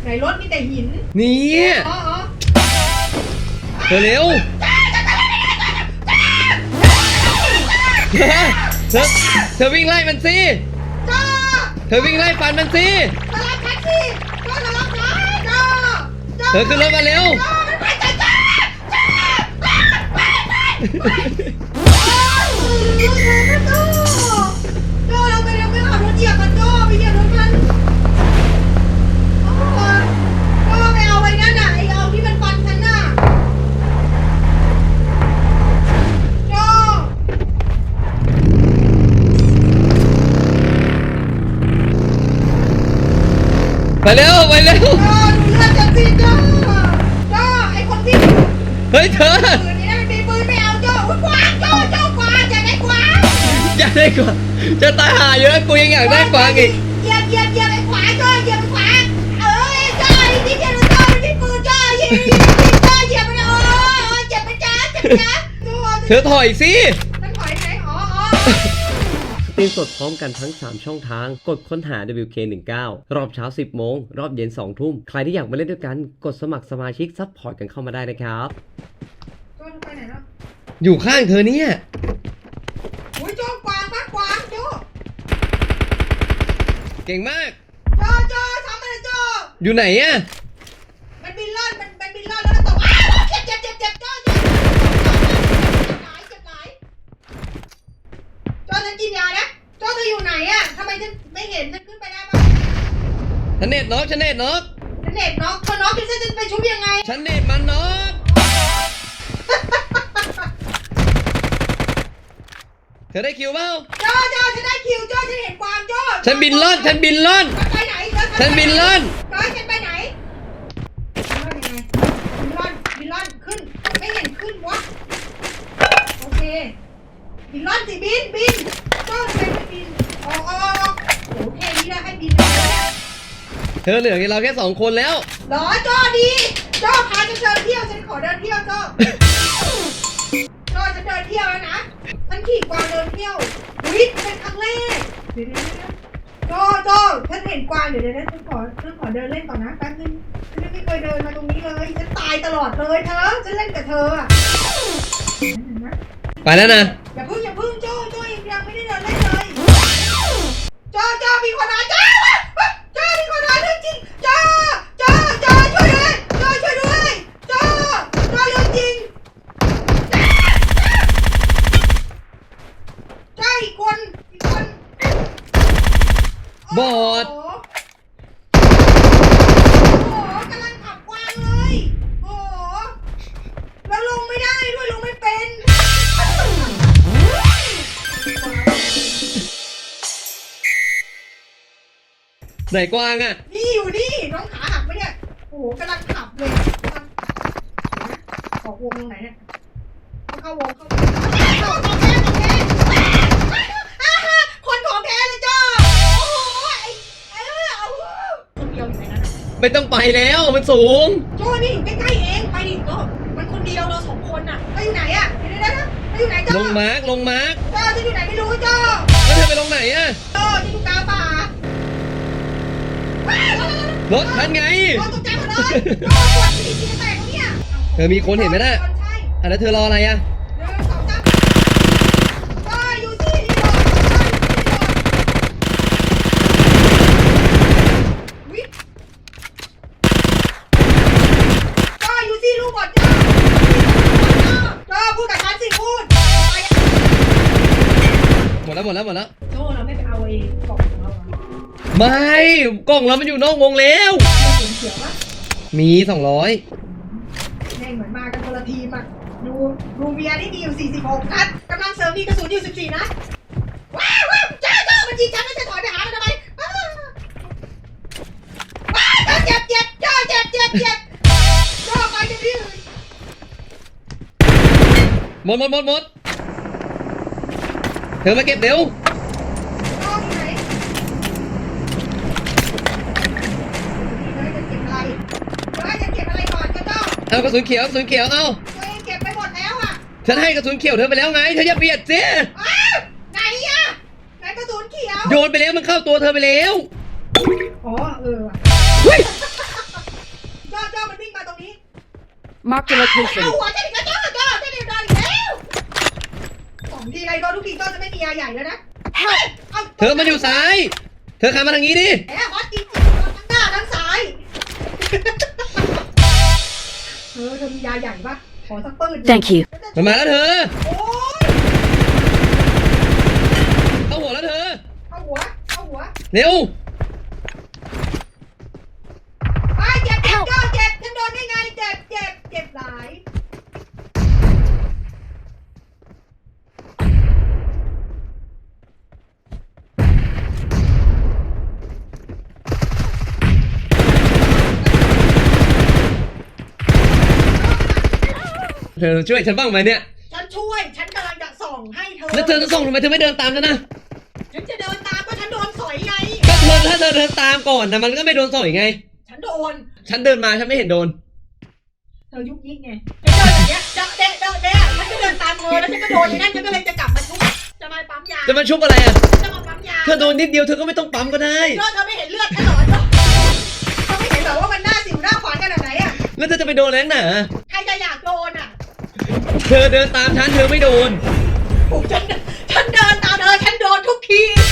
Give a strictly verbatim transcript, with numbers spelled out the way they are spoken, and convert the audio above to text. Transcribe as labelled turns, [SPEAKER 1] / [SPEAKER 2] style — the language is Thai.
[SPEAKER 1] ไหนรถมีแต่หิน
[SPEAKER 2] นี่
[SPEAKER 1] อ๋อ
[SPEAKER 2] เธอเร็วเธอเธอเธอวิ่งไล่มันสิ
[SPEAKER 1] จ้า
[SPEAKER 2] เธอวิ่งไล่ฟันมันสิ
[SPEAKER 1] ตลาดแท็กซี่จ้าตลาดไหนจ้า
[SPEAKER 2] เธอขึ้นรถมาเร็ว
[SPEAKER 1] ไปจ้าจ้าจ้าไปไปไปจ้าเราไปเร็วไปขับรถเหยียบมันจ้าไปเหยียบรถมันจ้าไปเอาไว้นั่นน่ะไอ้เอาที่มันฟันฉันน่ะจ้า
[SPEAKER 2] ไปเร็วไปเร็ว
[SPEAKER 1] จ้าดูเลือดฉันสิจ้าจ้าไอ้คนที่
[SPEAKER 2] เฮ้ยเธอ
[SPEAKER 1] ปืนนี่มันมีปืนไม่เอาจ้าอุ้ยกวางจ้าจ้ากวางอยากได้กวาง
[SPEAKER 2] อยากได้กวางจะตายหาเยอะกูยังอยากได้กวางอีก
[SPEAKER 1] เหยียบเหยียบเหยียบไอ้ขวาจ้าเหยียบไอ้ขวาเอ้ยจ้าไอ้ที่เหยียบจ้าไอ้ที่ปืนจ้าเหยียบจ้าเหยียบมันโอ้ยเจ็บไปจ้าเจ็บจ้า
[SPEAKER 2] เธอถอยสิ
[SPEAKER 1] ฉันถอยไหนอ๋ออ๋อ
[SPEAKER 2] สตรีมสดพร้อมกันทั้งสามช่องทางกดค้นหา ดับเบิลยู เค หนึ่งเก้า รอบเช้าสิบโมงรอบเย็นสองทุ่มใครที่อยากมาเล่นด้วยกันกดสมัครสมาชิกซัพพอร์ตกันเข้ามาได้นะครับ
[SPEAKER 1] โจ้ไปไหนแล้ว
[SPEAKER 2] อยู่ข้างเธอเนี่ย
[SPEAKER 1] โอ้ยโจ้กวางมากกวางโจ้
[SPEAKER 2] เก่งมาก
[SPEAKER 1] โจ้โจ้ทำอะไรโจ้
[SPEAKER 2] อยู่ไหนอะ
[SPEAKER 1] มันบินล่อนมันมันบินล่อนแล้วก็ตกอ้าวเจ็บเจ็บเจ็บเจ็บโจ้เจ็บหลายเจ็บหลายโจ้ฉันกินยานะโจ้เธออยู่ไหนอะทำไมฉันไม่เห็นฉันขึ้นไปได้ปะ
[SPEAKER 2] ฉันเน็ตน็อกฉันเน็ตน็อก
[SPEAKER 1] ฉันเน็ตน็อกเธอน็อกฉันจะไปชุบยังไง
[SPEAKER 2] ฉันเน็ตมันน็อกเธอได้คิวเปล่า
[SPEAKER 1] โจ้โจ้ฉันได้คิวโจ้ฉันเห็นกวางโจ้
[SPEAKER 2] ฉันบินล่อนฉันบินล่อน
[SPEAKER 1] ไปไหน
[SPEAKER 2] ฉันบินล่อน
[SPEAKER 1] โจ้ฉันไปไหนบินล่อนบินล่อนขึ้นไม่เห็นขึ้นวะโอเคบินล่อนสิบินบินโจ้ทำไมไม่บินอ๋ออ๋อโอ้เท่นี้แล้วให้บินไปแล้ว
[SPEAKER 2] เธอเหลือเราแค่สองคนแล้ว
[SPEAKER 1] หรอโจ้ดีโจ้พาฉันเดินเที่ยวฉันขอเดินเที่ยวโจ้โจ้จะเดินเที่ยวแล้วนะฉันขี่กวางเดินเที่ยวอุ๊ยเป็นครั้งแรกเดี๋ยวๆโจ้โจ้ฉันเห็นกวางเดี๋ยวเดี๋ยวฉันขอฉันขอเดินเล่นก่อนนะแป๊บนึงฉันไม่เคยเดินมาตรงนี้เลยฉันตายตลอดเลยเธอฉันเล่นกับเธออะ
[SPEAKER 2] ไปแล้วนะ
[SPEAKER 1] อย่าพึ่งอย่าพึ่งโจ้โจ้ยังไม่ได้เดินเล่นเลยโจ้โจ้มีคนมาโจ้โจ้มีคนมาเรื่องจริงโจ้โจ้โจ้ช่วยด้วยโจ้ช่วยด้วยโจ้โจ้เรื่องจริงใช่อีกคนอีกคน
[SPEAKER 2] บอด
[SPEAKER 1] โอ้โหกำลังขับกวางเลยโอ้โหแล้วลงไม่ได้ด้วยลงไม่เป็น
[SPEAKER 2] ไหนกวางอ่ะ
[SPEAKER 1] นี่อยู่นี่น้องขาหักไหมเนี่ยโอ้โหกำลังขับเลยขอวงตรงไหนเนี่ยเข้าวงเข้าวงเข้าของแท้ของแท้คนของแท้เลยจ้าโอ้โหไอ้เออเอาคนเดียวอยู่ไหนนั่น
[SPEAKER 2] ไม่ต้องไปแล้วมันสูง
[SPEAKER 1] โจ้นี่อยู่ใกล้ๆเองไปดิโจ้มันคนเดียวเราสองคนน่ะไปอยู่ไหนอ่ะเดี๋ยวๆนะไปอยู่ไหนจ้า
[SPEAKER 2] ลงมาร์กลงมาร์ก
[SPEAKER 1] จ้าจะอยู่ไหนไม่รู้จ้า
[SPEAKER 2] แล้วเธอไปลงไหนอ่ะ
[SPEAKER 1] โจ้จะอยู่กลางป่าร
[SPEAKER 2] ถคันไง
[SPEAKER 1] โจ้ตกใจหมดเลยโจ้ปวดฉี่ฉี่แตกเนี่ย
[SPEAKER 2] เธอมีคนเห็นไหมน่ะอ่ะแล้วเธอรออะไรอ่ะ
[SPEAKER 1] หนึ่งสองสามจ้าอยู่สิที่รอวิจ้าอยู่สิลูกบอดจ้าจ้าพูดกับฉันสิพูด
[SPEAKER 2] หมดแล้วหมดแล้วหมดแล้ว
[SPEAKER 1] โจ้เราไม่ไปเอาเองกล่องของเรา
[SPEAKER 2] ไม่กล่องเรามันอยู่นอกวงแล้ว
[SPEAKER 1] เขียวปะ
[SPEAKER 2] มีสองร้อย
[SPEAKER 1] แม่งเหมือนมากันคนละทีมอ่ะดูรูเมียนี่มีอยู่สี่สิบหกนัดกำลังเสริมมีกระสุนอยู่สิบสี่นัดว้าวว้าวจ้าจ้ามันยิงฉันแล้วจะถอยไปหามันทำไมว้าวเจ็บเจ็บจ้าเจ็บเจ็บเจ็บจ้าไปที่อื่น
[SPEAKER 2] หมดหมดหมดหมดเธอมาเก็บเร็วเอากระสุนเขียวกระสุนเขียวเอา
[SPEAKER 1] เก็บไปหมดแล้วอ่ะ
[SPEAKER 2] ฉันให้กระสุนเขียวเธอไปแล้วไงเธออย่าเบียดสิ
[SPEAKER 1] ไหนอ่ะไหนกระสุนเขียว
[SPEAKER 2] โยนไปแล้วมันเข้าตัวเธอไปแล้ว
[SPEAKER 1] อ๋อเออ
[SPEAKER 3] Marked a
[SPEAKER 1] เอา
[SPEAKER 3] location.
[SPEAKER 1] หัวฉันอีกแล้วโจ้โจ้ฉันเดียวโดนอีกแล้วสองทีไรโดนทุกทีโจ้จะไม่มียาใหญ่แล้วนะเอา
[SPEAKER 2] เธอมันอยู่ซ้าย เธอขับมาทางนี้ดิ
[SPEAKER 1] แหมฮอตจริงๆทั้งหน้าทั้งซ้ายเธอเธอมียาใหญ่ปะขอสักปืน
[SPEAKER 3] Thank you.
[SPEAKER 2] มันมาแล้วเธอ
[SPEAKER 1] โอ้ย
[SPEAKER 2] เข้าหัวแล้วเธอ
[SPEAKER 1] เอาหัวเอาหัว
[SPEAKER 2] เร็ว
[SPEAKER 1] ไอ้เจ็บเจ็บโจ้เจ็บฉันโดนได้ไงเจ็บเจ็บเจ็บหลาย
[SPEAKER 2] เธอช่วยฉันบ้างไหมเนี่ย
[SPEAKER 1] ฉันช่วยฉันกำลังจะส่องให้เธอ
[SPEAKER 2] แล้วเธอจะส่งทำไมเธอไม่เดินตามฉันนะ
[SPEAKER 1] ฉันจะเดินตามก็ฉันโดนสอยไง
[SPEAKER 2] ก็เธอถ้าเธอเดินตามก่อนแต่มันก็ไม่โดนสอยไง
[SPEAKER 1] ฉันโดน
[SPEAKER 2] ฉันเดินมาฉันไม่เห็นโดน
[SPEAKER 1] เธอยุกยิกไงฉันเดินอย่างเงี้ยเดะเดะเดะเดะฉันก็เดินตามเธอแล้วฉันก็โดนอย่างนั้นฉันก็เลยจะกลับมาชุบจะมาปั๊มยา
[SPEAKER 2] จะมาชุบอะไรอ่ะ
[SPEAKER 1] จะมาปั๊มยา
[SPEAKER 2] เธอโดนนิดเดียวเธอก็ไม่ต้องปั๊มก็ได้
[SPEAKER 1] เธอเธอไม่เห็นเลือดฉันเหรอเธอไม่เห็นเหรอว่ามันหน้าสิวหน้าขวานขนาดไหนอ่ะ
[SPEAKER 2] แล้วเธอจะไปโดนแรงหนา
[SPEAKER 1] ใครจะอยากโดนอ่ะ
[SPEAKER 2] เธอเดินตามฉันเธอไม่โดน
[SPEAKER 1] โอ้ฉันฉันเดินตามเธอฉันโดนทุกที